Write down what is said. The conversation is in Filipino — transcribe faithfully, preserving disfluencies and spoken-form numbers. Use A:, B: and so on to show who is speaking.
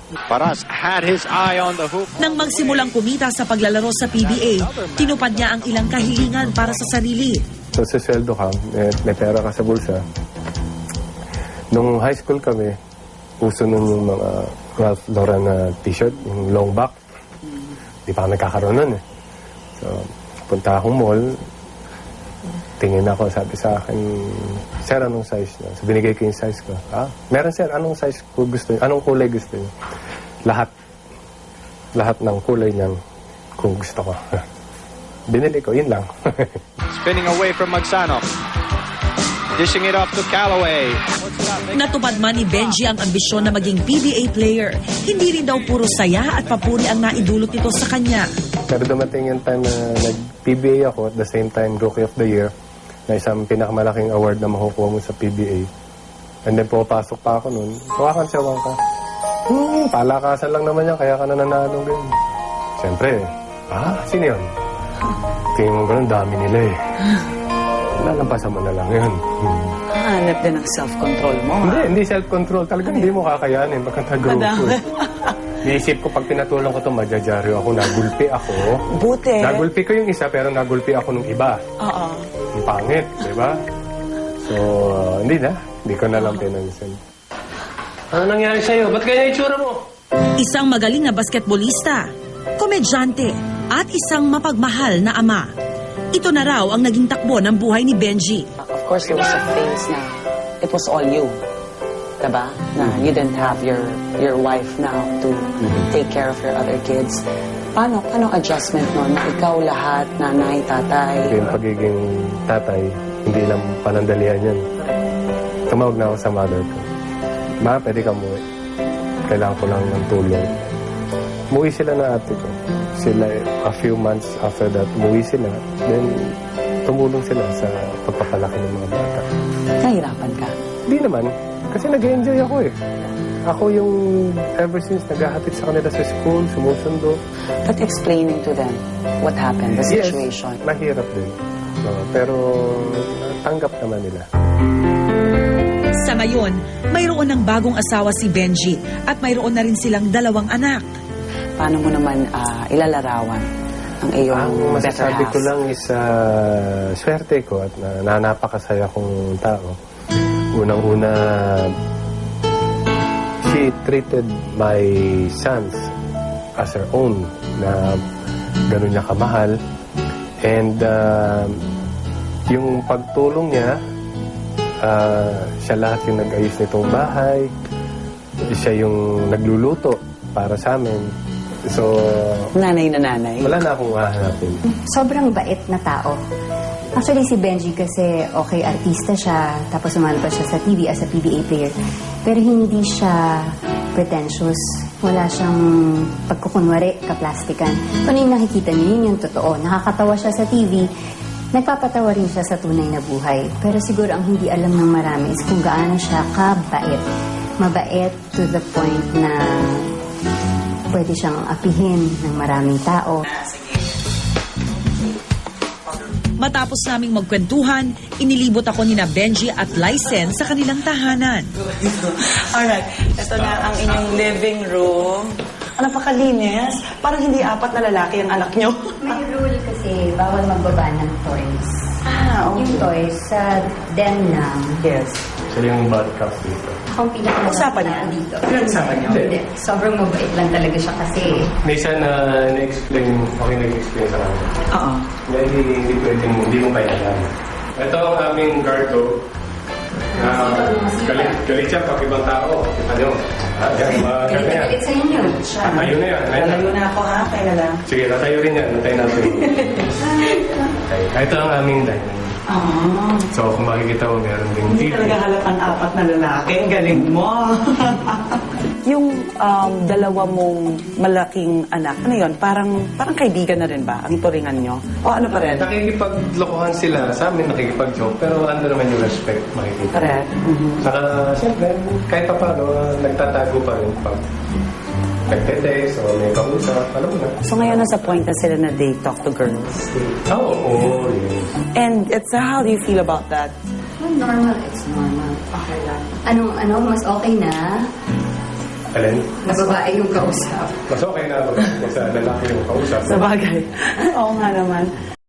A: Paras had his eye on the hoop.
B: Nang magsimulang kumita sa paglalaro sa P B A, tinupad niya ang ilang kahilingan para sa sarili.
C: So, sa sweldo ka, may, may pera ka sa bulsa. Nung high school kami, uso nun yung mga Ralph Lauren na t-shirt, yung long back. Di pa kami nagkakaroon nun eh. So, punta akong mall, tingin ako, sabi sa akin, sir, anong size niya? So, binigay ko yung size ko. Ah, meron sir, anong size ko gusto niyo? Anong kulay gusto niyo? Lahat. Lahat ng kulay niyan kung gusto ko. Binili ko, yun lang.
A: Spinning away from Magsano. Dishing it off to Callaway.
B: Natupad man ni Benji ang ambisyon na maging P B A player. Hindi rin daw puro saya at papuri ang naidulot nito sa kanya.
C: Pero dumating yung time na nag-P B A ako, at the same time Rookie of the Year, na isang pinakamalaking award na makukuha mo sa P B A. And then pumapasok pa ako nun, hawakan siya, hawakan ka. Hmm, palakasan lang naman yan, kaya ka na nanalo ganyan. Siyempre, ah, sino yun? Tingin mo ganun, dami nila eh. Lalampasan mo na lang yun. Hmm.
D: Hanap din ng self-control mo, ha?
C: Hindi, hindi self-control. Talagang hindi mo kakayanin pagka nag-grupo.
D: Madami.
C: Naisip ko, pag pinatulong ko ito, madyadyaryo ako, nagulpi ako.
D: Buti.
C: Nagulpi ko yung isa, pero nagulpi ako nung iba.
D: Oo.
C: Ang pangit, di ba? So, uh, hindi na. Hindi ko na lang pinansin.
E: Ano nangyari sa'yo? Ba't kaya itsura mo?
B: Isang magaling na basketbolista, komedyante, at isang mapagmahal na ama. Ito na raw ang naging takbo ng buhay ni Benji.
D: Of course, there was a phase na it was all you. Diba? Na you didn't have your your wife now to take care of your other kids. Paano, paano adjustment mo na ikaw lahat, nanay, tatay?
C: Yung pagiging tatay, hindi lang panandalian yan. Tumawag na ako sa mother ko. Ma, pwede ka umuwi. Kailangan ko lang ng tulong. Umuwi sila na ate ko. Sila, a few months after that, umuwi sila. Then, tumulong sila sa pagpapalaki ng mga bata.
D: Nahirapan ka?
C: Hindi naman. Kasi nag-enjoy ako eh. Ako yung ever since naghahatid sa kanila sa school, sumusundo.
D: But explaining to them what happened, the situation.
C: Yes, mahirap din. No, pero tanggap naman nila.
B: Sa ngayon, mayroon ng bagong asawa si Benji at mayroon na rin silang dalawang anak.
D: Paano mo naman ah, ilalarawan ang iyong
C: Ang
D: better
C: masasabi
D: half?
C: ko lang is uh, swerte ko at na, na napakasaya kong tao. Unang-una, she treated my sons as her own, na gano'n niya kamahal. And uh, yung pagtulong niya, uh, siya lahat yung nag-ayos nitong bahay. Siya yung nagluluto para sa amin. So,
D: Nanay na nanay.
C: wala na akong hahanapin.
F: Sobrang bait na tao. Actually, si Benji kasi, okay, artista siya, tapos sumali pa siya sa T V as a P B A player. Pero hindi siya pretentious. Wala siyang pagkukunwari, kaplastikan. Kung ano yung nakikita niyo, yun yung totoo. Nakakatawa siya sa T V, nagpapatawa rin siya sa tunay na buhay. Pero siguro ang hindi alam ng marami is kung gaano siya kabait. Mabait to the point na pwede siyang apihin ng maraming tao.
B: Matapos naming magkwentuhan, inilibot ako ni na Benji at Lysen sa kanilang tahanan.
G: Alright, ito na ang inyong living room. Ang napakalinis. Parang hindi apat na lalaki ang anak nyo.
F: May rule kasi bawal magbaba ng toys.
G: Ah,
F: Yung toys sa den lang.
G: Yes.
C: Siya yung bad cup dito.
F: Akong pinakamalaki
G: Usapan niyo?
F: na dito.
G: Pinag-usapan niyo?
F: Hindi. Sobrang mabait lang talaga siya kasi.
C: May isa na na-explain, okay nag-explain sa kanya.
G: Oo.
C: Na hindi, hindi pwedeng, hindi mo kaya alam. Ito ang aming guardo. Uh, galit, galit siya pag ibang tao. Ano? Ah, yan, mga ganyan.
F: Galit sa inyo.
C: Ah, ayun na yan. Ayun na.
G: Lalayo na ako ha, kaya na lang.
C: Sige, natayo rin yan. Natayo natin. Okay. Ito ang aming dining.
G: Oh,
C: So, kung makikita mo, meron ding
G: hindi
C: T V.
G: talaga halatang apat na lalaki. Ang galing mo. Yung um, dalawa mong malaking anak, ano yun? Parang, parang kaibigan na rin ba ang turingan nyo? O ano pa rin?
C: Nakikipaglokohan sila. Sa amin, nakikipag-joke. Pero ando naman yung respect, makikita.
G: Correct. Mhm.
C: Saka, siyempre, kahit pa paano, nagtatago pa rin pag nagte-text o may kausap, alam mo na.
D: So ngayon nasa point na sila na they talk to girls.
C: Oo, oo, yes.
D: And it's how do you feel about that?
F: Well, normal, it's normal. Okay lang. Anong, ano, mas okay na
C: Alin?
F: Na babae yung kausap.
C: Mas okay na kung sa lalaki yung kausap.
G: Sa bagay. Oo nga naman.